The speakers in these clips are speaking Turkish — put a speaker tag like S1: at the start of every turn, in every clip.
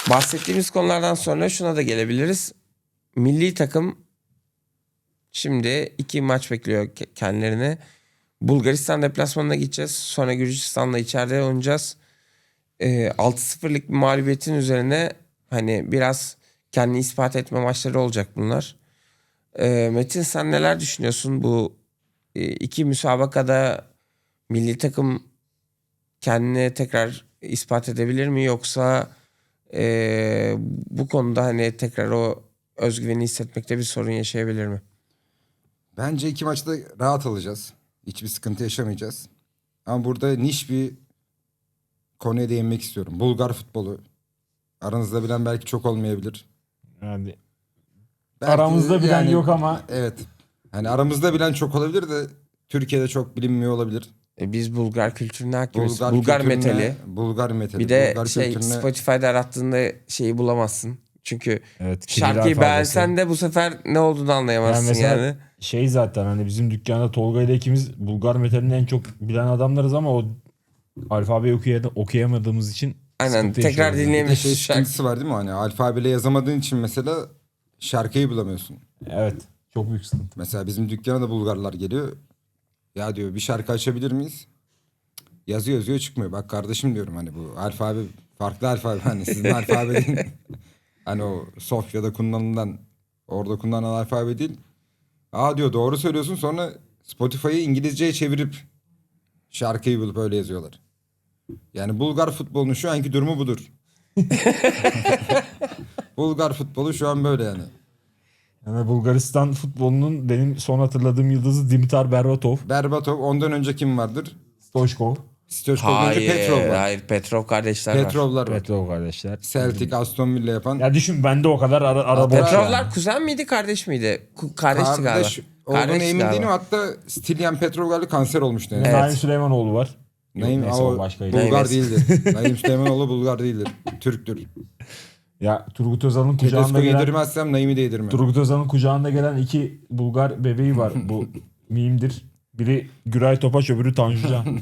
S1: Bahsettiğimiz konulardan sonra şuna da gelebiliriz. Milli takım şimdi 2 maç bekliyor kendilerine. Bulgaristan deplasmanına gideceğiz. Sonra Gürcistan'la içeride oynayacağız. 6-0'lık bir mağlubiyetin üzerine hani biraz kendini ispat etme maçları olacak bunlar. Metin, sen neler düşünüyorsun bu iki müsabakada? Milli takım kendini tekrar ispat edebilir mi, yoksa bu konuda hani tekrar o özgüveni hissetmekte bir sorun yaşayabilir mi?
S2: Bence iki maçta rahat alacağız. Hiçbir sıkıntı yaşamayacağız. Ama burada niş bir konuya değinmek istiyorum. Bulgar futbolu. Aranızda bilen belki çok olmayabilir.
S3: Yani
S2: Belki
S3: aramızda bilen yok ama.
S2: Evet. Hani aramızda bilen çok olabilir de Türkiye'de çok bilinmiyor olabilir.
S1: Biz Bulgar kültürüne hakimiz.
S2: Bulgar
S1: Bulgar
S2: kültürüne-
S1: metali.
S2: Bulgar metali.
S1: Bir de
S2: Bulgar
S1: şey,
S2: kültürüne-
S1: Spotify'da arattığında şeyi bulamazsın. Çünkü
S3: Evet, Kiril
S1: şarkıyı
S3: alfabesi.
S1: beğensen de bu sefer ne olduğunu anlayamazsın
S3: Yani mesela
S1: yani.
S3: şey, zaten hani bizim dükkanda Tolga ile ikimiz Bulgar metalini en çok bilen adamlarız ama o alfabeyi okuyamadığımız için
S1: Aynen,
S3: sıkıntı
S1: tekrar
S3: yaşıyoruz.
S2: Bir de
S1: dinleyemiyorsun
S2: şey
S1: şarkı.
S2: sıkıntısı var değil mi? Hani alfabeyle yazamadığın için mesela şarkıyı bulamıyorsun.
S3: Evet, çok büyük sıkıntı.
S2: Mesela bizim dükkana da Bulgarlar geliyor. Ya diyor bir şarkı açabilir miyiz? Yazıyor çıkmıyor. Bak kardeşim diyorum, hani bu alfabe farklı alfabe. Hani sizin alfabe değil. Hani o Sofya'da kullanılan, orada kullanılan alfabe değil. Aa diyor, doğru söylüyorsun. Sonra Spotify'ı İngilizceye çevirip şarkıyı bulup öyle yazıyorlar. Yani Bulgar futbolunun şu anki durumu budur. Bulgar futbolu şu an böyle yani.
S3: Yani Bulgaristan futbolunun benim son hatırladığım yıldızı Dimitar Berbatov,
S2: Berbatov, ondan önce kim vardır?
S3: Stoichkov,
S2: Stoichkov'dan önce Petrov var.
S1: Hayır, Petrov kardeşler var.
S2: Petrovlar var.
S3: Petrov kardeşler.
S2: Celtic, Aston Villa yapan.
S3: Ya düşün, bende o kadar ara borç
S1: Petrovlar
S3: yani.
S1: kuzen miydi, kardeş miydi? Kardeşti galiba.
S2: Kardeş olduğunu
S1: Kardeşti
S2: emin
S1: galiba.
S2: değilim. Hatta Stilyan Petrov galiba kanser olmuştu. Yani.
S1: Evet.
S3: Naim Süleymanoğlu var. Yok,
S2: Naim,
S3: neyse,
S2: o
S3: o başkaydı.
S2: Bulgar
S1: Neyse.
S2: değildir. Naim Süleymanoğlu Bulgar değildir. Türktür.
S3: Ya Turgut Özal'ın kucağında
S2: Tedesco
S3: gelen
S2: yedirmezsem Naim'i de yedirmem.
S3: Turgut Özal'ın kucağında gelen iki Bulgar bebeği var. Bu mimdir. Biri Güray Topaç, öbürü Tanju Can.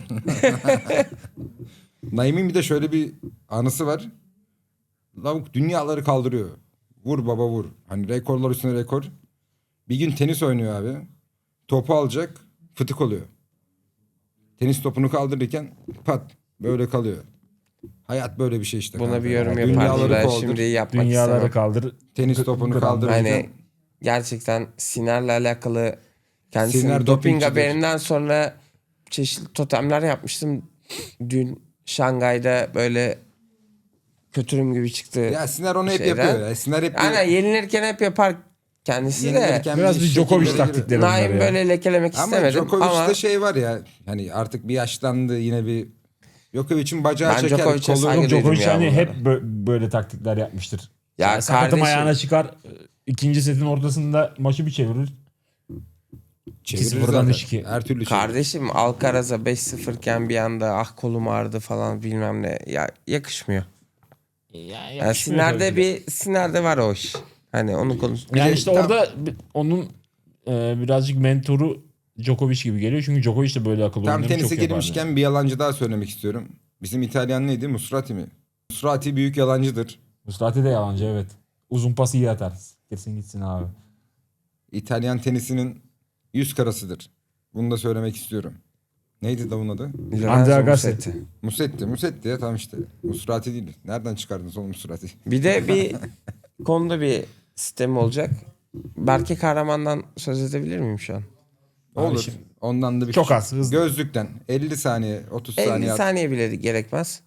S2: Naim'in bir de şöyle bir anısı var. Lavuk dünyaları kaldırıyor. Vur baba vur. Hani rekorlar üstüne rekor. Bir gün tenis oynuyor abi. Topu alacak. Fıtık oluyor. Tenis topunu kaldırırken pat böyle kalıyor. Hayat böyle bir şey işte.
S1: Buna
S2: kanka.
S1: bir yorum
S2: Yani
S1: yapardım
S2: dünyaları
S1: ben,
S2: kaldır.
S1: şimdi yapmak
S3: Dünyaları
S1: istemem.
S3: kaldır.
S2: Tenis topunu
S3: Gram-
S2: kaldırırken.
S1: Hani gerçekten Siner'le alakalı kendisinin
S2: Siner
S1: doping
S2: dopingçidir.
S1: haberinden sonra çeşitli totemler yapmıştım. Dün Şangay'da böyle kötürüm gibi çıktı.
S2: Ya Siner onu hep
S1: şeyden.
S2: yapıyor ya. Siner hep
S1: Aynen, yenilirken hep yapar kendisi de.
S2: yenilirken
S3: Biraz bir
S2: şekillere
S3: Djokovic
S2: giriyor.
S3: taktikleri bunlar
S1: Naim
S3: ya.
S1: böyle lekelemek
S2: Ama
S1: istemedim
S2: Djokovic'te
S1: ama
S2: şey var ya. Hani artık bir yaşlandı, yine bir Djokovic'in bacağı
S1: Ben
S2: çeker.
S1: Djokovic'e
S2: Kolu
S1: saygı duydum
S3: Djokovic
S1: ya
S3: hani
S1: bunlara.
S3: hep böyle taktikler yapmıştır.
S1: Ya
S3: Yani sakatım
S1: kardeşim-
S3: ayağına çıkar. İkinci setin ortasında maçı bir çevirir.
S2: çevirir
S3: 2-0'dan
S2: zaten.
S3: 3-2.
S2: Her türlü çevirir.
S1: kardeşim Alcaraz'a 5-0 iken bir anda ah kolum ağrıdı falan bilmem ne. Ya yakışmıyor. Yani Siner'de var o iş. Hani onu konuş.
S3: Yani
S2: de
S3: işte
S2: tam-
S3: orada onun birazcık mentoru Djokovic gibi geliyor. Çünkü Djokovic de böyle akıl
S2: Tam
S3: oyunları çok
S2: tenise
S3: yapardı.
S2: girmişken bir yalancı daha söylemek istiyorum. Bizim İtalyan neydi? Musrati mi? Musrati büyük yalancıdır.
S3: Muslati de yalancı, evet. Uzun pas iyi atar. Kesin gitsin abi.
S2: İtalyan tenisinin yüz karasıdır. Bunu da söylemek istiyorum. Neydi da bunun adı?
S1: Lorenzo
S3: Andrea Agassi.
S1: Musetti.
S2: Musetti ya, tam işte. Musrati değil. Nereden çıkardınız oğlum Musrati?
S1: Bir de bir konuda bir sistem olacak. Berke Kahraman'dan söz edebilir miyim şu an?
S2: Olur.
S3: şimdi-
S2: Ondan da bir
S3: Çok
S2: küçük-
S3: az, hızlı.
S2: Gözlükten 50 saniye 30
S1: 50
S2: saniye at.
S1: saniye bile gerekmez.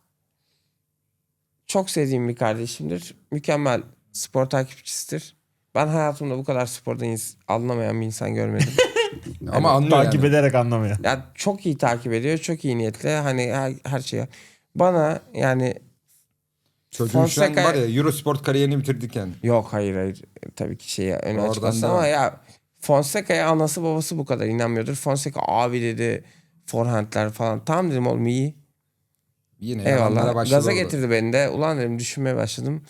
S1: Çok sevdiğim bir kardeşimdir. Mükemmel spor takipçisidir. Ben hayatımda bu kadar sporda anlamayan bir insan görmedim.
S2: Ama anlıyor
S3: Takip
S2: yani.
S3: ederek anlamıyor.
S1: Ya çok iyi takip ediyor. Çok iyi niyetli. Hani her şeye. Bana yani
S2: Çocuğun şu an
S1: Fonseca-
S2: var ya Eurosport kariyerini bitirdik yani.
S1: yok, hayır. Tabii ki şeye öne
S2: Oradan
S1: açıklasın
S2: devam.
S1: ama ya Fonseca'ya anası babası bu kadar inanmıyordur. Fonseca abi dedi, forehandler falan. Tamam dedim, oğlum iyi.
S2: Yine yalanlara
S1: Eyvallah.
S2: başladı
S1: Gaza
S2: orada.
S1: getirdi beni de. Ulan dedim, düşünmeye başladım.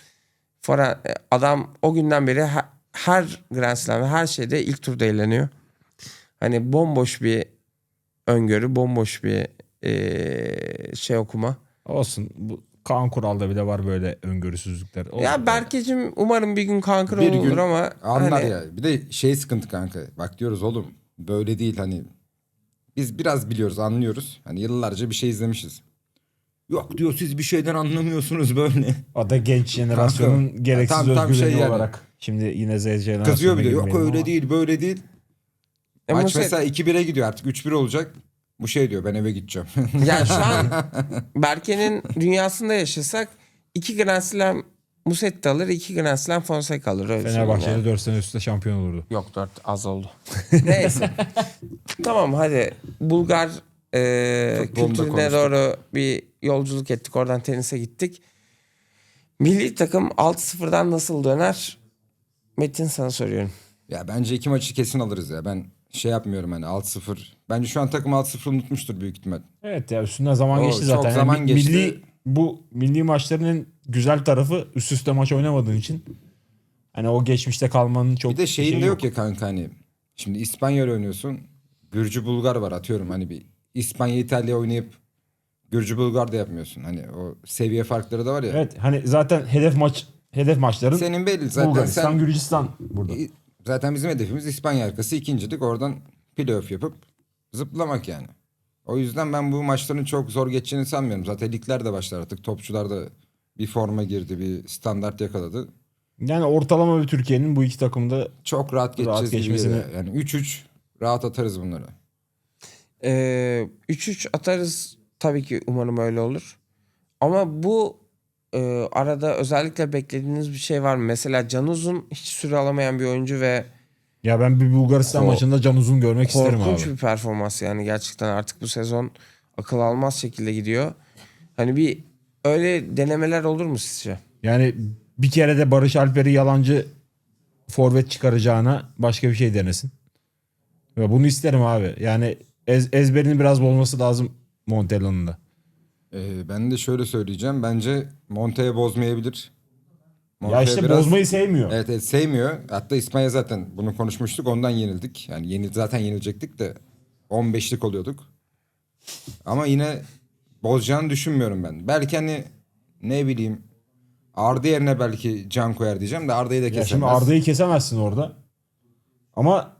S1: Adam o günden beri her Grand Slam ve her şeyde ilk turda eğleniyor. Hani bomboş bir öngörü, bomboş bir şey okuma.
S3: Olsun. Bu Kaan Kural'da bile var böyle öngörüsüzlükler. Olur
S1: Ya
S3: yani.
S1: Berke'cim umarım bir gün kanka
S2: Bir
S1: olur
S2: gün
S1: ama
S2: anlar
S1: hani,
S2: ya. Bir de şey sıkıntı kanka. Bak diyoruz oğlum böyle değil hani. Biz biraz biliyoruz, anlıyoruz. Hani yıllarca bir şey izlemişiz. Yok diyor siz bir şeyden anlamıyorsunuz böyle.
S3: O da genç jenerasyonun
S2: Kanka,
S3: gereksiz
S2: tam
S3: özgüveni
S2: şey yani.
S3: olarak. Şimdi yine Z jenerasyonuna
S2: Kızıyor bir de yok
S3: girmeyelim
S2: öyle
S3: ama.
S2: değil böyle değil. Maç
S1: Musa-
S2: mesela 2-1'e gidiyor artık 3-1 olacak. Bu şey diyor ben eve gideceğim.
S1: yani şu an Berke'nin dünyasında yaşasak 2 Grand Slam Musetti alır, 2 Grand Slam Fonseca alır. Öyle söyleyeyim
S3: Fenerbahçe'de
S1: yani.
S3: 4 sene üstte şampiyon olurdu.
S1: Yok 4 az oldu. Neyse. Tamam hadi Bulgar
S2: Futbolunu da
S1: kültürüne
S2: konuştuk.
S1: doğru bir yolculuk ettik. Oradan tenise gittik. Milli takım 6-0'dan nasıl döner? Metin sana soruyorum.
S2: Ya bence 2 maçı kesin alırız ya. Ben şey yapmıyorum hani 6-0. Bence şu an takım 6-0 unutmuştur büyük ihtimal.
S3: Evet ya üstünden zaman
S2: O
S3: geçti
S2: çok
S3: zaten.
S2: zaman geçti.
S3: Milli maçların en güzel tarafı üst üste maç oynamadığın için. Hani o geçmişte kalmanın çok
S2: Bir de şeyin
S3: şeyi
S2: de yok ya kanka hani. Şimdi İspanya ile oynuyorsun. Gürcü Bulgar var atıyorum hani bir İspanya İtalya oynayıp Gürcü Bulgar da yapmıyorsun. Hani o seviye farkları da var ya.
S3: Evet hani zaten hedef maçların
S2: Senin belli zaten
S3: Bulgaristan,
S2: sen
S3: Gürcistan burada.
S2: zaten bizim hedefimiz İspanya arkası ikincilik oradan playoff yapıp zıplamak yani. O yüzden ben bu maçların çok zor geçeceğini sanmıyorum. Zaten ligler de başlar artık. Topçular da bir forma girdi, bir standart yakaladı.
S3: Yani ortalama bir Türkiye'nin bu iki takımda
S2: Çok rahat geçeceğiz gibi
S3: geçmesini-
S2: geliyor. Yani 3-3 rahat atarız bunları.
S1: 3-3 atarız. Tabii ki umarım öyle olur. Ama bu arada özellikle beklediğiniz bir şey var mı? Mesela Can Uzun hiç süre alamayan bir oyuncu ve
S3: ya ben bir Bulgaristan maçında Can Uzun görmek isterim
S1: korkunç
S3: abi.
S1: bir performans yani gerçekten artık bu sezon akıl almaz şekilde gidiyor. Hani bir öyle denemeler olur mu sizce?
S3: Yani bir kere de Barış Alper'i yalancı forvet çıkaracağına başka bir şey denesin. Ve bunu isterim abi. Yani ezberinin biraz bozması lazım Montella'nın da.
S2: Ben de şöyle söyleyeceğim. Bence Monte'ye bozmayabilir.
S3: Ya
S2: Monte
S3: işte
S2: biraz-
S3: bozmayı sevmiyor.
S2: Evet, evet sevmiyor. Hatta İspanya zaten bunu konuşmuştuk. Ondan yenildik. Yani zaten yenilecektik de 15'lik oluyorduk. Ama yine bozacağını düşünmüyorum ben. Belki hani ne bileyim Arda yerine belki Can koyar diyeceğim de Arda'yı da
S3: Ya
S2: kesemez.
S3: şimdi Arda'yı kesemezsin orada. Ama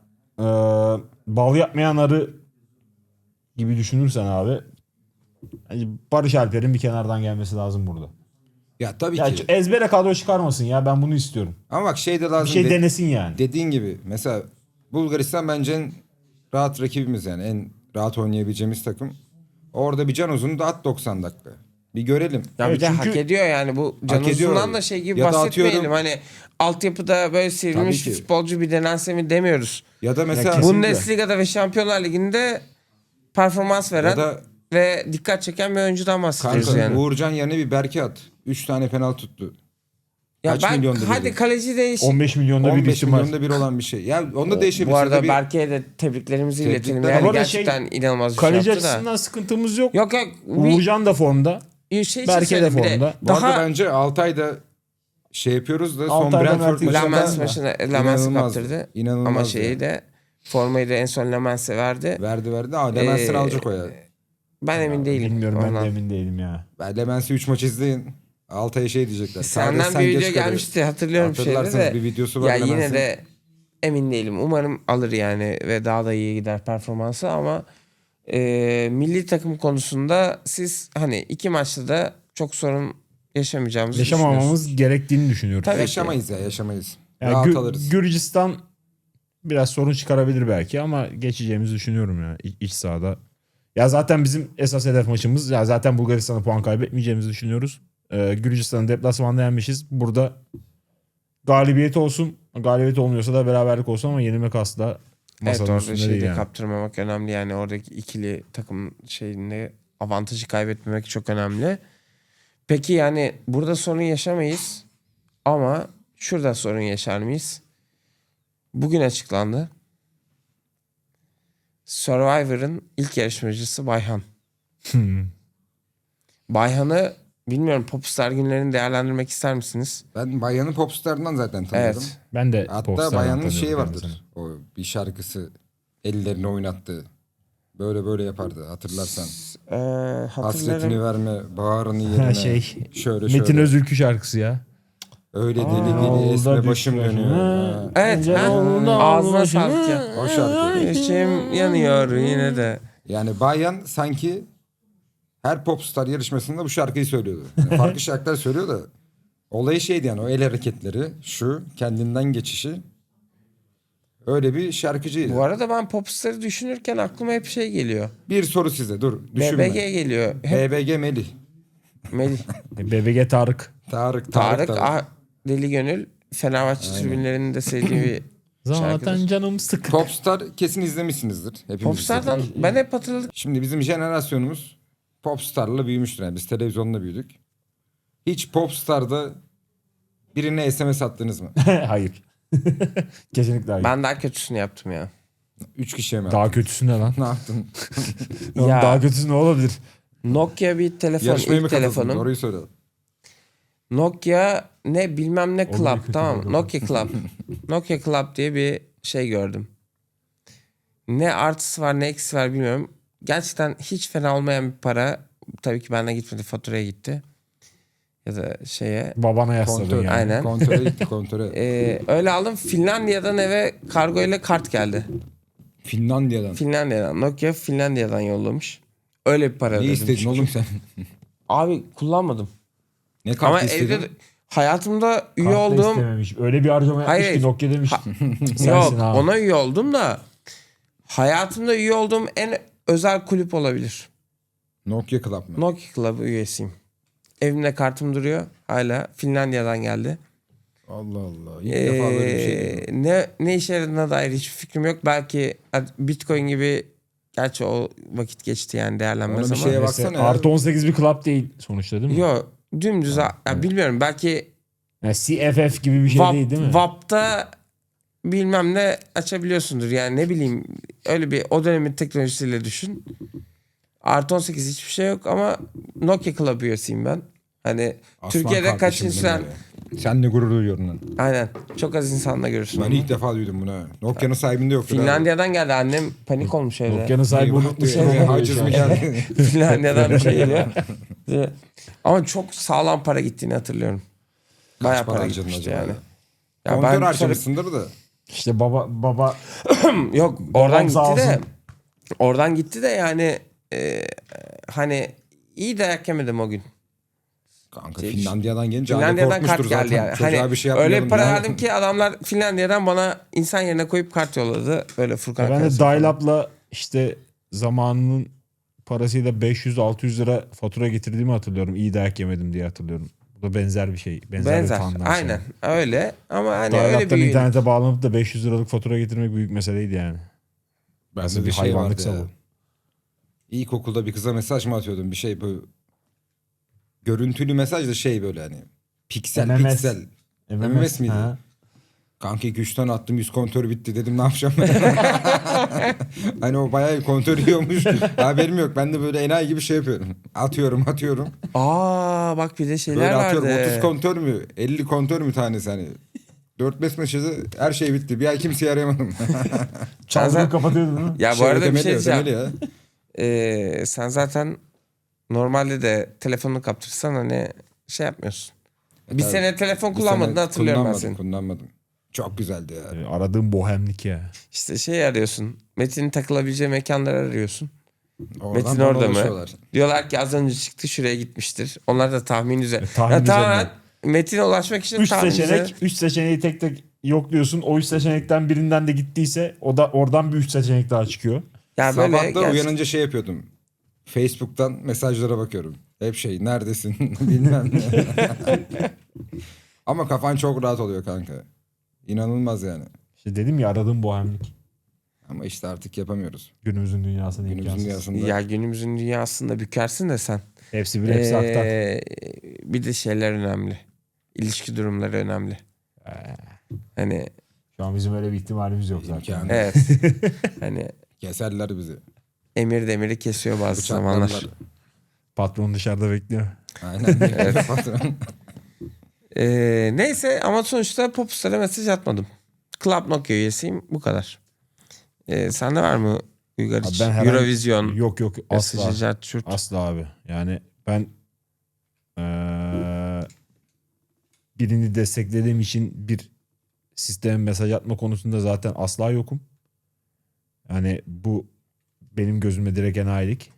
S3: bal yapmayan arı gibi düşünürsen abi hani Barış Alper'in bir kenardan gelmesi lazım burada.
S2: Ya tabii
S3: Ya
S2: ki.
S3: ezbere kadro çıkarmasın ya ben bunu istiyorum.
S2: Ama bak şey de lazım.
S3: Bir şey denesin yani.
S2: Dediğin gibi mesela Bulgaristan bence en rahat rakibimiz yani. En rahat oynayabileceğimiz takım. Orada bir Can Uzun'u da at 90 dakika. Bir görelim.
S1: Ya
S3: Evet,
S1: bir de
S3: çünkü-
S1: hak ediyor yani bu Can
S2: ediyor.
S1: Uzun'dan da şey gibi
S2: Ya da
S1: bahsetmeyelim.
S2: atıyorum-
S1: Hani altyapıda böyle sivrilmiş
S2: Tabii
S1: bir
S2: ki.
S1: futbolcu bir denense mi demiyoruz.
S2: Ya da mesela
S3: kesin-
S1: Bundesliga'da ve Şampiyonlar Ligi'nde performans veren
S2: Ya da-
S1: ve dikkat çeken bir oyuncudan bahsediyoruz
S2: kanka
S1: yani.
S2: Uğurcan yerine bir Berke at. 3 tane penaltı tuttu.
S1: Ya
S2: kaç
S1: ben
S2: milyonda
S1: hadi
S2: biri?
S1: kaleci değiş.
S3: 15 milyonda bir
S2: 15
S3: isim var.
S2: milyonda bir olan bir şey. Ya onu da değişebilir.
S1: Bu arada
S2: Bir-
S1: Berke'ye de tebriklerimizi
S2: Tebrikler.
S1: iletelim.
S2: Bu
S1: Yani
S3: arada
S1: gerçekten inanılmaz bir şey
S3: Kaleci
S1: yaptı da.
S3: açısından sıkıntımız yok.
S1: Yok yok.
S3: Uğurcan da formda.
S1: Bir şey
S3: Berke de
S1: söyleyeyim bir
S3: formda.
S2: Bu
S1: Daha
S2: arada bence Altay'da şey yapıyoruz da son
S3: Altay'da
S2: Brentford
S3: Mert
S1: Lamens
S3: Lamens
S1: maçına Lamens'i
S2: İnanılmazdı.
S1: kaptırdı.
S2: İnanılmazdı
S1: Ama
S2: ya.
S1: şeyi de formayı da en son Lamens'e verdi.
S2: verdi. Aa Lemens'in alacak o ya.
S1: Ben emin değilim.
S3: Bilmiyorum ben
S1: ondan.
S3: de emin değilim ya.
S2: Ben Lemens'i 3 maç izleyin. Altay'a şey diyecekler.
S1: Senden
S2: Kardeş, sen
S1: bir
S2: geç
S1: video
S2: kalıyorsun.
S1: gelmişti hatırlıyorum şeyde
S2: Hatırlarsanız
S1: de.
S2: bir videosu var
S1: Ya yine
S2: Lemens'in.
S1: de emin değilim. Umarım alır yani ve daha da iyi gider performansı ama milli takım konusunda siz hani 2 maçta da çok sorun yaşamayacağımızı düşünüyorsunuz.
S3: Yaşamamamız gerektiğini düşünüyorum.
S1: Tabii ki.
S2: Yaşamayız ya yaşamayız.
S3: Yani
S2: Rahat alırız.
S3: Gürcistan biraz sorun çıkarabilir belki ama geçeceğimizi düşünüyorum ya iç sahada. Ya zaten bizim esas hedef maçımız ya zaten Bulgaristan'a puan kaybetmeyeceğimizi düşünüyoruz. Gürcistan'ı deplasmanda yenmişiz. Burada galibiyet olsun. Galibiyet olmuyorsa da beraberlik olsun ama yenilmek asla
S1: Evet
S3: masanın
S1: orada
S3: üstünde
S1: şeyi
S3: değil
S1: de
S3: yani.
S1: kaptırmamak önemli yani oradaki ikili takım şeyinde avantajı kaybetmemek çok önemli. Peki yani burada sorun yaşamayız ama şurada sorun yaşar mıyız? Bugün açıklandı. Survivor'ın ilk yarışmacısı Bayhan. Bayhan'ı bilmiyorum Popstar günlerini değerlendirmek ister misiniz?
S2: Ben Bayan'ın popstarından zaten tanıyorum.
S1: Evet.
S3: Ben de
S2: Hatta
S3: Popstar'dan
S2: Bayan'ın
S3: tanıyorum
S2: şeyi
S3: kendisini.
S2: vardır. O bir şarkısı ellerini oynattığı. Böyle böyle yapardı hatırlarsan.
S1: Hatırlarım.
S2: Hasretini verme, bağrını yerine. Şöyle
S3: Metin
S2: şöyle.
S3: Özülkü şarkısı ya.
S2: Öyle deli
S3: Yolda
S2: deli esme
S3: düştü
S2: başım
S3: başım.
S2: dönüyor.
S3: Ha.
S2: Ha.
S1: Evet.
S3: Önce
S1: ha?
S3: yolda
S1: Ağzına
S3: başım.
S1: sağlık ya.
S2: O şarkı.
S1: İçim yanıyor yine de.
S2: Yani Bayan sanki her popstar yarışmasında bu şarkıyı söylüyordu. Yani farklı şarkılar söylüyor da olayı şeydi yani o el hareketleri, şu kendinden geçişi. Öyle bir şarkıcıydı.
S1: Bu arada ben popstarı düşünürken aklıma hep şey geliyor.
S2: Bir soru size dur düşünme.
S1: BBG geliyor. Hep
S2: BBG Melih.
S1: Melih.
S3: BBG Tarık.
S2: Tarık.
S1: Tarık, Deli Gönül. Fenerbahçe tribünlerinin de sevdiği bir
S3: Zaten
S1: şarkıdır.
S3: canım sıkı.
S2: Popstar kesin izlemişsinizdir. Hepimiz
S1: Popstar'dan
S2: izledik.
S1: ben hep hatırladım.
S2: Şimdi bizim jenerasyonumuz Popstar'la büyümüştür. Yani biz televizyonla büyüdük. Hiç Popstar'da birine SMS attınız mı?
S3: Hayır. Kesinlikle hayır.
S1: Ben daha kötüsünü yaptım ya.
S2: 3 kişiye mi?
S3: Daha kötüsü ne lan?
S2: Ne yaptın?
S3: Oğlum
S1: Ya.
S3: daha kötüsü ne olabilir?
S1: Nokia bir telefon,
S2: Yarışmaya mı
S1: ilk
S2: katıldın?
S1: telefonum.
S2: Doğruyu söyle.
S1: Nokia ne bilmem ne
S3: Olur,
S1: Club,
S3: kötü
S1: tamam mı?
S3: olur.
S1: Nokia Club. Nokia Club diye bir şey gördüm. Ne artısı var ne eksisi var bilmiyorum. Gerçekten hiç fena olmayan bir para. Tabii ki benden gitmedi, faturaya gitti. Ya da şeye.
S3: Babana yasladın
S2: Kontör.
S3: yani.
S1: Aynen.
S2: Kontöre gitti kontöre.
S1: Öyle aldım. Finlandiya'dan eve kargo ile kart geldi.
S2: Finlandiya'dan.
S1: Finlandiya'dan. Nokia Finlandiya'dan yollamış. Öyle bir para
S2: Ne
S1: ödedim.
S2: istedin
S1: çünkü.
S2: oğlum sen?
S1: Abi kullanmadım.
S2: Ne
S1: Ama
S2: kartı istedin?
S1: evde hayatımda üye
S3: Kart da
S1: olduğum...
S3: istememiş. Öyle bir harcama yapmış
S1: Hayır.
S3: ki Nokia demiş. Sensin
S1: Yok
S3: ha.
S1: ona üye oldum da hayatımda üye olduğum en özel kulüp olabilir.
S2: Nokia Club mı?
S1: Nokia Club üyesiyim. Evimde kartım duruyor. Hala Finlandiya'dan geldi.
S2: Allah Allah. İlk defa böyle bir şey duydum.
S1: Ne işe yaradığına dair hiçbir fikrim yok. Belki Bitcoin gibi, gerçi o vakit geçti yani, değerlenmez
S2: Ona bir
S1: ama.
S2: şeye
S3: Neyse,
S2: baksana ya.
S3: artı 18 bir club değil sonuçta değil mi?
S1: Yok dümdüz ya bilmiyorum, belki
S3: Yani CFF gibi bir şey değil değil mi?
S1: VAP'ta bilmem ne açabiliyorsundur yani, ne bileyim, öyle bir o dönemin teknolojisiyle düşün. Artı 18 hiçbir şey yok ama Nokia Club üyesiyim ben. Hani
S2: Aslan
S1: Türkiye'de kaç
S2: kardeşim
S1: insan,
S2: benim ya. Seninle gurur duyuyorum lan.
S1: aynen, çok az insanla görürsün.
S2: Ben
S1: onu.
S2: ilk defa duydum bunu. ha. Nokia'nın sahibinde yoktu.
S1: Finlandiya'dan geldi, annem panik olmuş evde.
S3: Nokia'nın sahibi unutmuş.
S2: Haciz mi geldi?
S1: Finlandiya'dan bir şey geliyor. Ama çok sağlam para gittiğini hatırlıyorum. Bayağı
S2: para
S1: para
S2: harcadın
S1: gitmişti
S2: acaba
S1: yani.
S2: ya?
S1: Ya
S2: Kontör
S1: ben sonra,
S2: harcamışsındır da.
S3: İşte baba
S1: yok oradan gitti
S3: sağ
S1: de
S3: olsun.
S1: oradan gitti de yani hani iyi dayak yemedim o gün.
S2: Kanka Finlandiya'dan gelince
S1: Finlandiya'dan
S2: aile
S1: kart
S2: korkmuştur
S1: geldi
S2: zaten.
S1: yani.
S2: Çocuğa
S1: Hani
S2: bir şey
S1: öyle
S2: yapmayalım.
S1: bir para
S2: ya.
S1: verdim ki adamlar Finlandiya'dan bana insan yerine koyup kart yolladı. Böyle Furkan
S3: ben de
S1: Akarsu falan.
S3: dial-up'la işte zamanının parasıyla 500-600 lira fatura getirdiğimi hatırlıyorum. İyi dayak yemedim diye hatırlıyorum. Bu da benzer bir şey. Benzer bir tandem.
S1: Aynen öyle ama hani öyle
S3: Dial-up'tan
S1: bir
S3: internete bağlanıp da 500 liralık fatura getirmek büyük meseleydi yani.
S2: Bende
S3: bir
S2: bir şey
S3: hayvanlık
S2: vardı ya.
S3: savun.
S2: İlkokulda bir kıza mesaj mı atıyordum? Bir şey bu. Görüntülü mesaj da şey böyle hani. Piksel
S3: MMS.
S2: piksel. MMS miydi?
S3: Ha.
S2: Kanka 2-3 tane attım 100 kontör bitti dedim ne yapacağım ben? Hani o bayağı kontör yiyormuş. Haberim yok. Ben de böyle enayi gibi şey yapıyorum. Atıyorum.
S1: Aa bak bir de şeyler
S2: Böyle
S1: vardı.
S2: atıyorum 30 kontör mü? 50 kontör mü tanesi hani? 4-5 mesajı her şey bitti. Bir ay kimseyi arayamadım.
S3: Çalgıyı kapatıyordun değil mi?
S1: Ya bu arada bir şey diyeceğim.
S2: ödemeli ya.
S1: Sen zaten normalde de telefonunu kaptırsan hani şey yapmıyorsun. Bir
S2: Tabii.
S1: sene telefon
S2: Bir
S1: kullanmadığını
S2: sene
S1: hatırlıyorum ben senin.
S2: Kullanmadım. Çok güzeldi ya.
S3: Aradığım bohemlik ya.
S1: İşte şey arıyorsun. Metin'in takılabileceği mekanları arıyorsun.
S2: Oradan
S1: Metin
S2: bana
S1: orada mı?
S2: ulaşıyorlar.
S1: Diyorlar ki az önce çıktı, şuraya gitmiştir. Onlar da tahmin üzerine.
S3: tahmin
S1: Ya tamamen
S3: üzerine.
S1: Metin'e ulaşmak için
S3: 3
S1: tahmin
S3: seçenek,
S1: üzerine.
S3: 3 seçeneği tek tek yokluyorsun. O 3 seçenekten birinden de gittiyse o da oradan bir 3 seçenek daha çıkıyor.
S1: Ya böyle
S2: Sabah da
S1: gerçekten-
S2: uyanınca şey yapıyordum. Facebook'tan mesajlara bakıyorum. Hep şey neredesin bilmem ne. Ama kafan çok rahat oluyor kanka. İnanılmaz yani.
S3: İşte dedim ya aradığım bohemlik.
S2: Ama işte artık yapamıyoruz.
S3: Günümüzün dünyasında
S2: Günümüzün
S3: imkansız.
S2: dünyasında.
S1: Ya günümüzün dünyasında bükersin de sen.
S3: Hepsi bir hepsi aktar.
S1: Bir de şeyler önemli. İlişki durumları önemli. Hani
S3: Şu an bizim öyle bir ihtimalimiz yok zaten.
S2: İmkanı.
S1: evet. Hani
S2: Keserler bizi.
S1: emir demiri kesiyor bazı
S2: Bıçaklarlar.
S1: zamanlar.
S3: Patron dışarıda bekliyor.
S2: Aynen. Patron.
S1: Neyse ama sonuçta Popstar'a mesaj atmadım. Club Nokia üyesiyim, bu kadar. Sende var mı Uygar
S3: Abi
S1: hiç.
S3: ben herhangi-
S1: Eurovision.
S3: Yok asla.
S1: Mesajı cart çurt.
S3: Asla abi. Yani ben birini desteklediğim için bir sisteme mesaj atma konusunda zaten asla yokum. Yani bu benim gözüme direkt enayilik.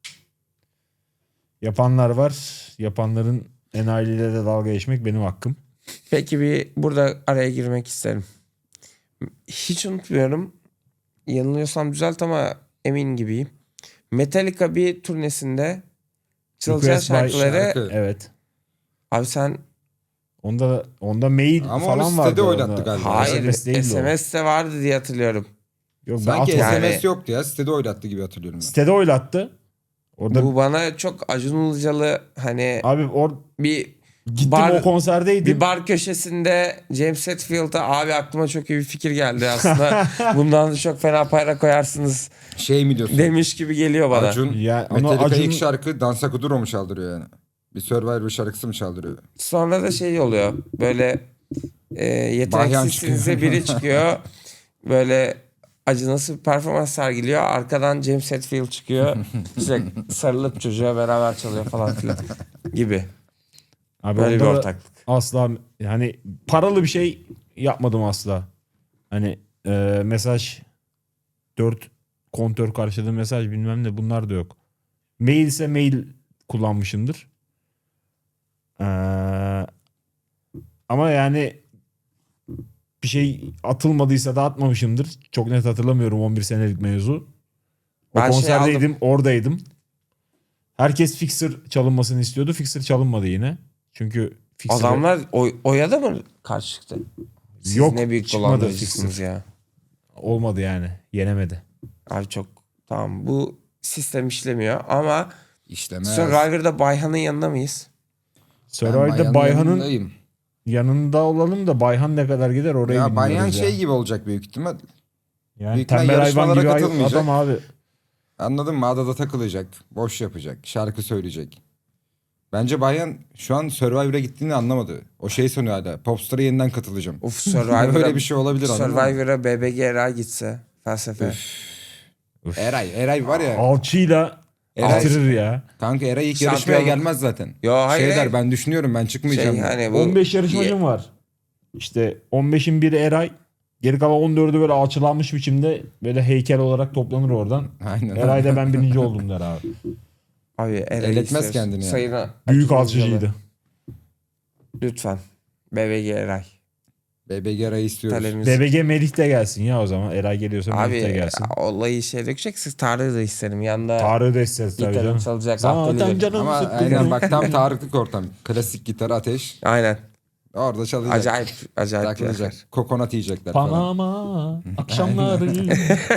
S3: Yapanlar var. Yapanların enayiliyle de dalga geçmek benim hakkım.
S1: Peki bir burada araya girmek isterim. Hiç unutmuyorum. Yanılıyorsam düzelt ama emin gibiyim. Metallica bir turnesinde çalacağı
S3: Request by
S1: şarkıları
S2: şarkı.
S3: Evet.
S1: abi sen
S3: Onda mail
S2: Ama
S3: falan
S2: onu
S3: vardı.
S2: sitede
S3: onda.
S2: oynattı galiba.
S1: hayır
S3: SMS değildi o.
S1: SMS'te vardı diye hatırlıyorum.
S3: Yok, ben
S2: Sanki
S3: atmadım.
S1: Yani-
S2: SMS yoktu ya. Sitede oynattı gibi hatırlıyorum ben.
S3: Sitede oylattı. Orada
S1: Bu bana çok Acun Ilıcalı hani
S3: abi
S1: bir
S3: gittim
S1: bar,
S3: o konserdeydim.
S1: bir bar köşesinde James Hetfield'a abi aklıma çok iyi bir fikir geldi aslında. Bundan da çok fena para koyarsınız
S2: Şey mi diyorsun?
S1: demiş gibi geliyor bana.
S2: Acun,
S3: Ya, onu
S2: Metallica
S3: Acun-
S2: ilk şarkı Dansa Kuduro mu çaldırıyor yani? Bir Survivor şarkısı mı çaldırıyor?
S1: Sonra da şey oluyor. Böyle
S2: Bahyan
S1: yeteneksizsinize
S2: çıkıyor.
S1: biri çıkıyor. Böyle acınası bir performans sergiliyor. Arkadan James Hetfield çıkıyor. İşte sarılıp çocuğa beraber çalıyor falan filan gibi.
S3: Abi
S1: Böyle bir
S3: onda da
S1: ortaklık.
S3: asla yani paralı bir şey yapmadım asla. Hani mesaj 4 kontör karşılığı mesaj bilmem ne bunlar da yok. Mail ise mail kullanmışımdır. Ama yani bir şey atılmadıysa da atmamışımdır. Çok net hatırlamıyorum 11 senelik mevzu. O
S1: Ben şey
S3: konserdeydim, oradaydım. Herkes Fixer çalınmasını istiyordu. Fixer çalınmadı yine. Çünkü Fixer'e-
S1: Adamlar oya da mı karşı çıktı? Siz
S3: Yok,
S1: ne büyük
S3: çıkmadı
S1: dolandırıcısınız
S3: Fixer.
S1: ya.
S3: olmadı yani. Yenemedi.
S1: Abi çok tamam bu sistem işlemiyor ama
S2: İşlemez.
S1: Survivor'da Bayhan'ın yanında mıyız?
S3: Survivor'da Bayhan'ın
S2: yanındayım.
S3: yanında olalım da Bayhan ne kadar gider oraya
S2: Ya
S3: bilmiyoruz
S2: Bayhan
S3: ya.
S2: şey gibi olacak büyük ihtimal.
S3: Yani
S2: büyük ihtimal
S3: tembel hayvan
S2: yarışmalara
S3: gibi
S2: katılmayacak.
S3: adam abi.
S2: Anladın mı? Adada takılacak. Boş yapacak. Şarkı söyleyecek. Bence Bayhan şu an Survivor'a gittiğini anlamadı. O şey sanıyor hala. Popstar'a yeniden katılacağım.
S1: Of Survivor'a
S2: Öyle bir şey olabilir, anladın mı?
S1: Survivor'a BBG Eray gitse felsefe.
S2: Eray var ya.
S3: Alçıyla
S2: Eray-
S3: bitirir ya.
S2: Kanka Eray ilk
S1: Şampiyonluk-
S2: yarışmaya gelmez zaten.
S1: Yo, hayır,
S2: Şey der,
S1: hayır.
S2: ben düşünüyorum, ben çıkmayacağım.
S1: Şey
S2: der.
S1: hani bu
S3: 15 yarışmacım var. İşte 15'in biri Eray. Geri kalan 14'ü böyle alçılanmış biçimde böyle heykel olarak toplanır oradan.
S2: Aynen.
S3: Eray'da ben birinci oldum der abi.
S1: abi Eray'ı
S2: Eletmez
S1: istiyoruz.
S2: kendini yani.
S1: Sayına
S3: Büyük
S1: Acun
S3: alçıcıydı.
S1: Ilıcalı. Lütfen. BBG Eray.
S2: BBG Eray'ı istiyoruz.
S1: Talebimiz.
S3: BBG Melih de gelsin ya o zaman. Eray geliyorsa Melih de
S1: Abi
S3: gelsin.
S1: olayı şey dökeceksiniz. Tarık'ı da isterim. Yanında
S3: Tarık'ı da isteriz tabii
S1: gitarım
S3: canım.
S1: çalacak.
S3: Zaten
S1: Zaten
S3: canım
S2: Ama
S3: sıkkın.
S2: aynen bak tam Tarıklık ortam. Klasik gitar ateş.
S1: Aynen.
S2: Orada çalacak.
S1: Acayip yakar.
S2: Takılacak. Kokonat yiyecekler falan.
S3: Panama akşamları.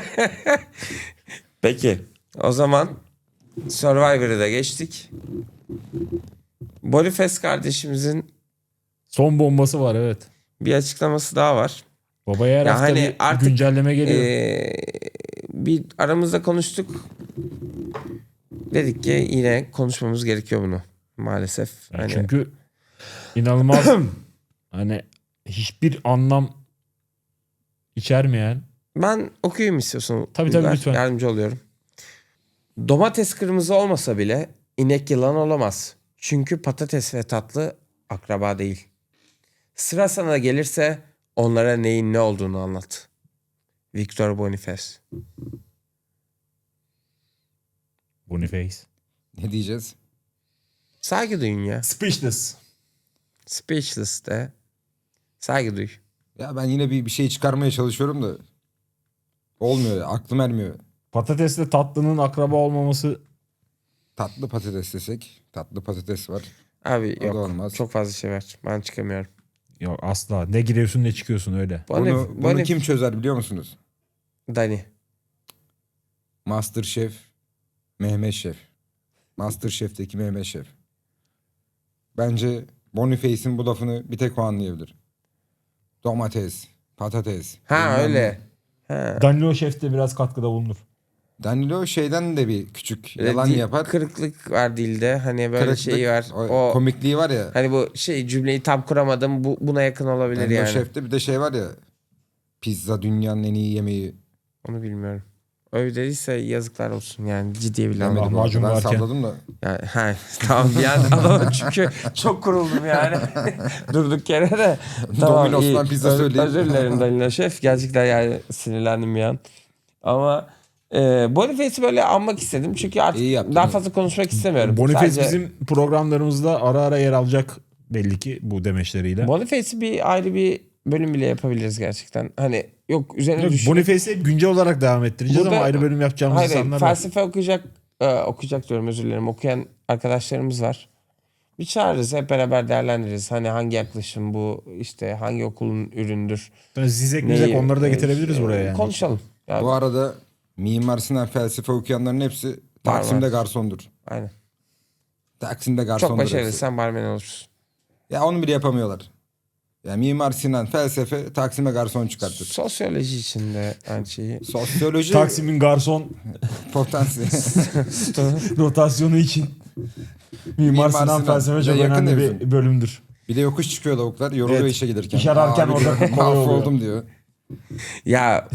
S1: Peki. O zaman Survivor'ı da geçtik. Boniface kardeşimizin
S3: Son bombası var evet.
S1: bir açıklaması daha var.
S3: Babaya her
S1: Ya
S3: hafta
S1: hani
S3: bir
S1: artık,
S3: güncelleme geliyor.
S1: Bir aramızda konuştuk. Dedik ki yine konuşmamız gerekiyor bunu. Maalesef.
S3: Yani
S1: Hani
S3: çünkü inanılmaz hani hiçbir anlam içermeyen.
S1: ben okuyayım istiyorsun.
S3: Tabii,
S1: Uygar.
S3: lütfen.
S1: Yardımcı oluyorum. Domates kırmızı olmasa bile inek yılan olamaz. Çünkü patates ve tatlı akraba değil. Sıra sana gelirse onlara neyin ne olduğunu anlat. Victor Boniface.
S3: Boniface.
S2: Ne diyeceğiz?
S1: Saygı duyun ya.
S3: Speechless.
S1: Speechless de saygı duy.
S2: Ya ben yine bir şey çıkarmaya çalışıyorum da olmuyor ya, aklım ermiyor.
S3: Patatesle tatlının akraba olmaması
S2: Tatlı patates desek. Tatlı patates var.
S1: Abi
S2: O da
S1: yok.
S2: olmaz.
S1: Çok fazla şey var. Ben çıkamıyorum.
S3: yok asla. Ne giriyorsun ne çıkıyorsun öyle.
S2: Bunu kim çözer biliyor musunuz?
S1: Dani.
S2: Masterchef Mehmet Şef. Masterchef'teki Mehmet Şef. Bence Boniface'in bu lafını bir tek o anlayabilir. Domates, patates.
S1: Ha
S2: bilmem
S1: öyle.
S2: ne.
S1: Ha.
S3: Danilo Şef de biraz katkıda bulunur.
S2: Danilo şeyden de bir küçük
S1: Böyle
S2: yalan yapar.
S1: Kırıklık var dilde. Hani böyle
S2: Kırıklık,
S1: şeyi var.
S2: o komikliği var ya.
S1: Hani bu şey cümleyi tam kuramadım. Buna yakın olabilir
S2: Danilo
S1: yani.
S2: Şef'te bir de şey var ya. Pizza dünyanın en iyi yemeği.
S1: Onu bilmiyorum. övdüyse yazıklar olsun yani ciddiye bile
S2: Demedim
S1: almadım.
S3: lahmacun
S2: ben
S3: varken.
S2: salladım da.
S1: Yani, tamam bir an adamı çünkü çok kuruldum yani. Durduk yere de. Tamam,
S2: Domino's'tan
S1: iyi.
S2: pizza söyleyeyim.
S1: Özür dilerim Danilo Şef. Gerçekten yani sinirlendim bir an. Ama Boniface'i böyle almak istedim. Çünkü artık
S2: İyi yaptın.
S1: daha fazla konuşmak istemiyorum.
S3: Boniface
S1: Sadece
S3: bizim programlarımızda ara ara yer alacak belli ki bu demeçleriyle.
S1: Boniface'i bir ayrı bir bölüm bile yapabiliriz gerçekten. Hani yok üzerine
S3: Yok,
S1: düşünüp...
S3: Boniface'i hep güncel olarak devam ettireceğiz
S1: Burada-
S3: ama ayrı bölüm yapacağımız
S1: Hayır,
S3: insanlar var.
S1: felsefe okuyacak diyorum, özür dilerim. Okuyan arkadaşlarımız var. Bir çağırırız, hep beraber değerlendiririz. Hani hangi yaklaşım bu, işte hangi okulun üründür.
S3: Yani Zizek mizek onları da getirebiliriz buraya yani.
S1: Konuşalım. Yani,
S2: Bu arada Mimar Sinan felsefe okuyanların hepsi Taksim'de garsondur.
S1: aynen.
S2: Taksim'de garsondur.
S1: Çok başarılı,
S2: hepsi.
S1: sen barmen olursun.
S2: Ya onu bile yapamıyorlar. Ya Mimar Sinan felsefe Taksim'e garson çıkartır.
S1: Sosyoloji için de aynı şeyi.
S2: Sosyoloji
S3: Taksim'in garson
S2: potansiyeli.
S3: rotasyonu için Mimar Sinan felsefe çok
S2: yakın
S3: önemli
S2: evim.
S3: bir bölümdür.
S2: Bir de yokuş çıkıyor lavuklar. Yoruluyor
S3: Evet.
S2: işe gelirken.
S3: İş ararken
S2: Abi
S3: orada
S2: diyor,
S3: kolay oluyor.
S2: mahvoldum diyor.
S1: Ya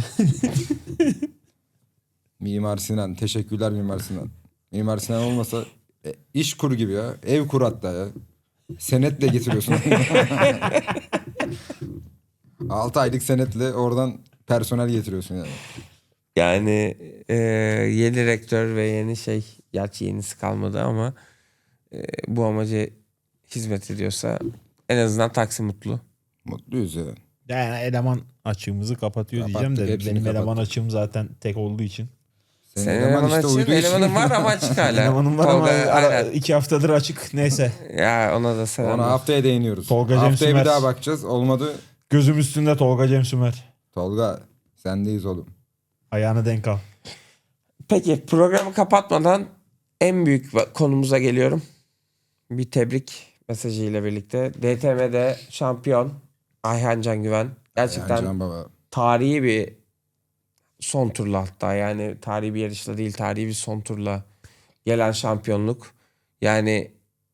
S2: Mimar Sinan. Teşekkürler Mimar Sinan. Mimar Sinan olmasa iş kur gibi ya. Ev kur hatta ya. Senetle getiriyorsun. 6 aylık senetle oradan personel getiriyorsun yani.
S1: yani yeni rektör ve yeni gerçi yenisi kalmadı ama bu amaca hizmet ediyorsa en azından Taksim mutlu.
S2: Mutluyuz ya.
S3: Yani eleman açığımızı kapatıyor
S2: Kapattık,
S3: diyeceğim de
S2: hepsini
S3: benim eleman
S2: kapattık.
S3: açığım zaten tek olduğu için.
S1: Senin eleman açığın,
S2: uyduğu için-
S1: elemanın var ama açık hala.
S3: Elemanım var ama
S1: Tolga, aynen.
S3: 2 haftadır açık. Neyse.
S1: Ya ona da selam.
S2: Ona haftaya değiniyoruz.
S3: Tolga Cem
S2: Haftaya
S3: Sümer.
S2: bir daha bakacağız. Olmadı.
S3: Gözüm üstünde Tolga Cem Sümer.
S2: Tolga sendeyiz oğlum.
S3: Ayağını denk al.
S1: Peki programı kapatmadan en büyük konumuza geliyorum. Bir tebrik mesajıyla birlikte. DTM'de şampiyon Ayhan Can Güven. Gerçekten
S2: Can baba.
S1: tarihi bir son turla, hatta yani tarihi bir yarışla değil, tarihi bir son turla gelen şampiyonluk. Yani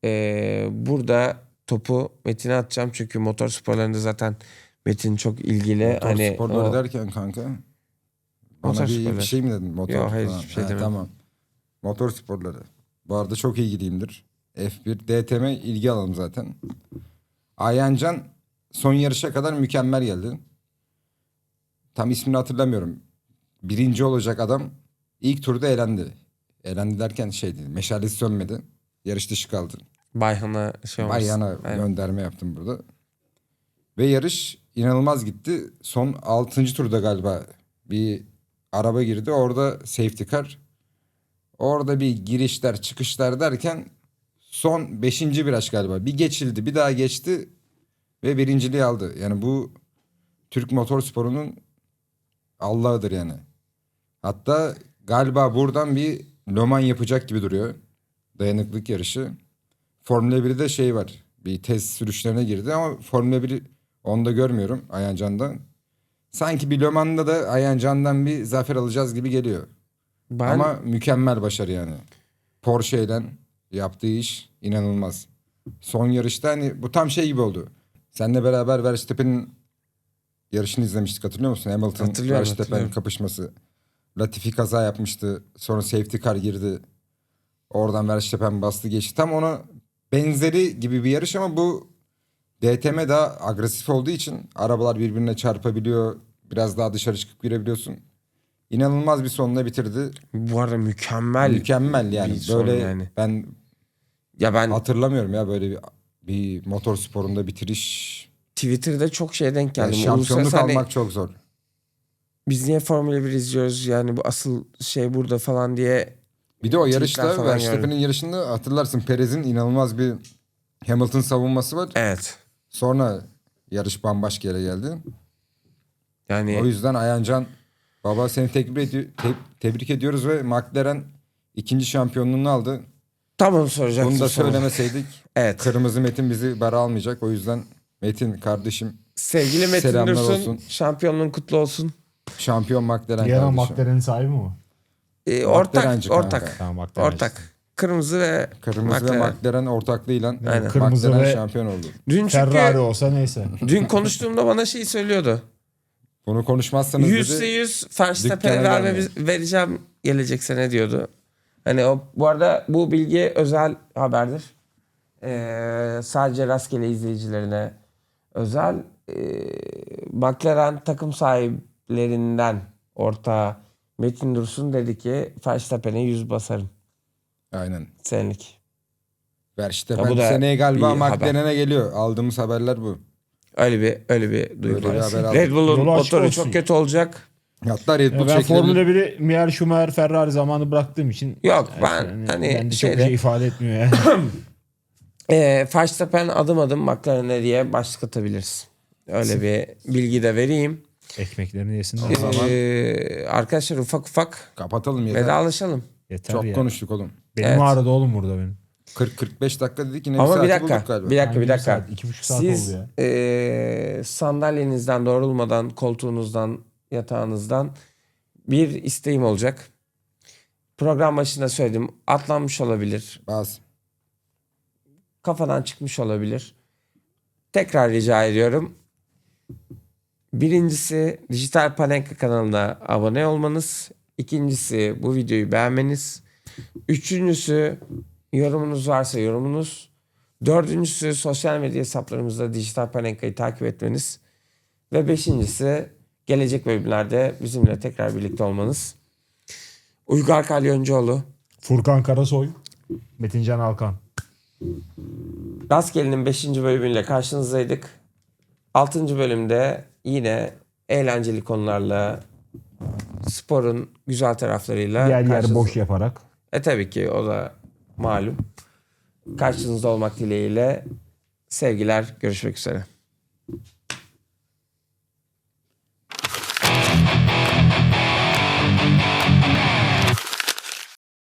S1: burada topu Metin'e atacağım çünkü motor sporlarında zaten Metin çok ilgili.
S2: Motor
S1: hani
S2: sporları
S1: o-
S2: derken kanka.
S1: Motor
S2: Bana bir
S1: sporları.
S2: şey mi dedin? Motor
S1: Yok, hayır,
S2: falan.
S1: hiçbir şey
S2: Ha,
S1: demedim.
S2: Tamam. Motor sporları. Bu arada çok ilgiliyimdir. F1, DTM ilgi alalım zaten. Ayhancan son yarışa kadar mükemmel geldi. Tam ismini hatırlamıyorum. Birinci olacak adam ilk turda elendi. Elendi derken meşalesi sönmedi. Yarış dışı kaldı.
S1: Bayhan'a olmuş.
S2: Bayana
S1: Aynen.
S2: gönderme yaptım burada. Ve yarış inanılmaz gitti. Son 6. turda galiba bir araba girdi. Orada safety car. Orada bir girişler çıkışlar derken son 5. viraj galiba. Bir geçildi, bir daha geçti ve birinciliği aldı. Yani bu Türk motorsporunun Allah'ıdır yani. Hatta galiba buradan bir Le Mans yapacak gibi duruyor. Dayanıklık yarışı. Formula 1'de var. Bir test sürüşlerine girdi ama Formula 1'i onda görmüyorum Ayhancan'dan. Sanki bir Le Mans'da da Ayhancan'dan bir zafer alacağız gibi geliyor. Ama mükemmel başarı yani. Porsche'yle yaptığı iş inanılmaz. Son yarışta hani bu tam gibi oldu. Seninle beraber Verstappen'in yarışını izlemiştik, hatırlıyor musun? Hamilton
S1: Hatırlıyorum,
S2: Verstappen
S1: hatırlıyorum.
S2: kapışması. Latifi kaza yapmıştı. Sonra safety car girdi. Oradan Verstappen bastı geçti. Tam ona benzeri gibi bir yarış ama bu DTM daha agresif olduğu için arabalar birbirine çarpabiliyor. Biraz daha dışarı çıkıp girebiliyorsun. İnanılmaz bir sonla bitirdi.
S1: Bu arada mükemmel.
S2: Mükemmel yani.
S1: bir son
S2: Böyle
S1: yani.
S2: ben
S1: Ya ben
S2: hatırlamıyorum ya böyle bir motor sporunda bitiriş.
S1: Twitter'da çok denk
S2: Yani
S1: geldim.
S2: şampiyonluk
S1: Uluslararası hani
S2: almak çok zor.
S1: biz niye Formula 1 izliyoruz yani, bu asıl burada falan diye.
S2: Bir de o
S1: Tweetler
S2: yarışta
S1: falan
S2: Verstappen'in yarışında hatırlarsın Perez'in inanılmaz bir Hamilton savunması var.
S1: Evet.
S2: Sonra yarış bambaşka yere geldi.
S1: Yani
S2: O yüzden Ayhancan baba seni tebrik ediyoruz ve McLaren 2. şampiyonluğunu aldı.
S1: tam onu soracaktım.
S2: Bunu da
S1: sana.
S2: söylemeseydik
S1: Evet.
S2: kırmızı Metin bizi bara almayacak. O yüzden Metin kardeşim
S1: Sevgili Metin
S2: Selamlar
S1: Dursun,
S2: olsun.
S1: şampiyonluğun kutlu olsun.
S2: şampiyon McLaren
S3: Diğer
S2: kardeşim.
S3: McLaren'in sahibi mi o?
S1: Ortak.
S2: McLaren'ci kanka.
S1: Ortak.
S3: Tamam McLaren.
S1: Ortak. Kırmızı ve
S2: Kırmızı ve McLaren ortaklığıyla
S1: Aynen.
S3: Kırmızı
S2: McLaren
S3: ve
S2: şampiyon oldu.
S1: Dün çünkü
S3: Ferrari olsa neyse.
S1: dün konuştuğumda bana söylüyordu.
S2: Bunu konuşmazsanız dedi.
S1: %100 Verstappen'e
S2: dükkana gelmeyin.
S1: vereceğim gelecek sene diyordu. Hani bu arada bu bilgi özel haberdir. Sadece rastgele izleyicilerine özel. McLaren takım sahiplerinden ortağı Metin Dursun dedi ki Verstappen'e 100 basarım
S2: Aynen.
S1: senelik.
S2: Verstappen
S1: Ya bu da
S2: seneye galiba
S1: bir haber.
S2: McLaren'e geliyor. Aldığımız haberler bu.
S1: Öyle bir duygu
S2: Öyle bir
S1: var.
S2: haber aldık.
S1: Red Bull'un
S3: Yolu açık
S1: motoru
S3: olsun.
S1: çok kötü olacak.
S2: Hatta Red Bull
S3: Ben Formula
S2: çekilebilir.
S3: 1'i Michael Schumacher, Ferrari zamanı bıraktığım için
S1: Yok, ben
S3: yani
S1: hani
S3: bende çok
S1: şeyde-
S3: şey ifade etmiyor yani.
S1: Verstappen adım adım McLaren'e diye başlık atabiliriz. Öyle bir bilgi de vereyim.
S3: Ekmeklerini yesinler.
S2: O zaman
S1: Arkadaşlar ufak ufak
S2: kapatalım yeter.
S1: vedalaşalım.
S3: Yeter
S2: Çok
S3: ya.
S2: konuştuk oğlum.
S3: Benim
S1: Evet.
S3: ağrıdı oğlum burada benim.
S2: 40-45 dakika dedik yine
S1: Ama bir
S2: saati
S1: dakika,
S2: bulduk galiba.
S1: bir dakika,
S3: Hangi
S1: bir dakika.
S3: saat? 2,5 saat
S1: Siz
S3: oldu ya.
S1: sandalyenizden doğrulmadan, koltuğunuzdan, yatağınızdan bir isteğim olacak. Program başında söyledim. Atlanmış olabilir.
S2: Bas.
S1: Kafadan çıkmış olabilir. Tekrar rica ediyorum. Birincisi Dijital Panenka kanalına abone olmanız. İkincisi bu videoyu beğenmeniz. Üçüncüsü yorumunuz varsa yorumunuz. Dördüncüsü sosyal medya hesaplarımızda Dijital Panenka'yı takip etmeniz. Ve beşincisi gelecek bölümlerde bizimle tekrar birlikte olmanız. Uygar Kalyoncuoğlu.
S3: Furkan Karasoy, Metincan Alkan.
S1: Rastgele'nin 5. bölümüyle karşınızdaydık. 6. bölümde yine eğlenceli konularla, sporun güzel taraflarıyla
S3: Yer yer
S1: karşınızda-
S3: boş yaparak.
S1: Tabii ki o da malum. Karşınızda olmak dileğiyle sevgiler, görüşmek üzere.